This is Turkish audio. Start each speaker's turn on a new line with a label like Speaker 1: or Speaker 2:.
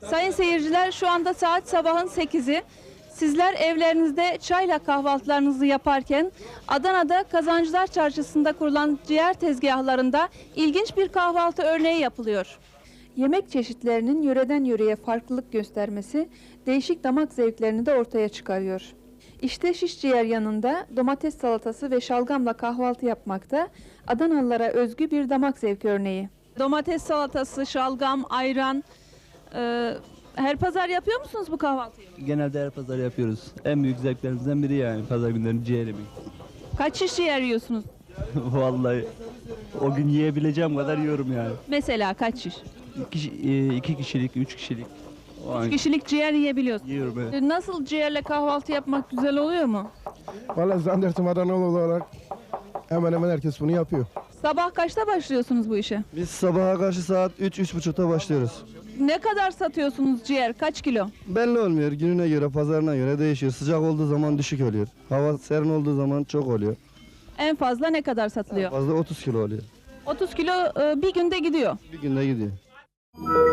Speaker 1: Sayın seyirciler, şu anda saat sabahın 8'i. Sizler evlerinizde çayla kahvaltılarınızı yaparken Adana'da Kazancılar Çarşısı'nda kurulan ciğer tezgahlarında ilginç bir kahvaltı örneği yapılıyor. Yemek çeşitlerinin yöreden yöreye farklılık göstermesi değişik damak zevklerini de ortaya çıkarıyor. İşte şiş ciğer yanında domates salatası ve şalgamla kahvaltı yapmakta Adanalılara özgü bir damak zevki örneği. Domates salatası, şalgam, ayran. Her pazar yapıyor musunuz bu kahvaltıyı?
Speaker 2: Genelde her pazar yapıyoruz. En büyük zevklerimizden biri yani pazar günleri ciğer yemek.
Speaker 1: Kaç şiş ciğer yiyorsunuz?
Speaker 2: Vallahi o gün yiyebileceğim kadar yiyorum yani.
Speaker 1: Mesela kaç şiş?
Speaker 2: İki kişilik, üç kişilik. O an
Speaker 1: Kişilik ciğer yiyebiliyorsunuz.
Speaker 2: yiyorum evet.
Speaker 1: Nasıl ciğerle kahvaltı yapmak güzel oluyor mu?
Speaker 3: Valla zannedersin Adanalı olarak hemen hemen herkes bunu yapıyor.
Speaker 1: Sabah kaçta başlıyorsunuz bu işe?
Speaker 4: Biz sabaha karşı saat 3-3.30'da başlıyoruz.
Speaker 1: Ne kadar satıyorsunuz ciğer? Kaç kilo?
Speaker 4: Belli olmuyor. Gününe göre, pazarına göre değişiyor. Sıcak olduğu zaman düşük oluyor. Hava serin olduğu zaman çok oluyor.
Speaker 1: En fazla ne kadar satılıyor?
Speaker 4: Fazla 30 kilo oluyor.
Speaker 1: 30 kilo bir günde gidiyor.
Speaker 4: Bir günde gidiyor.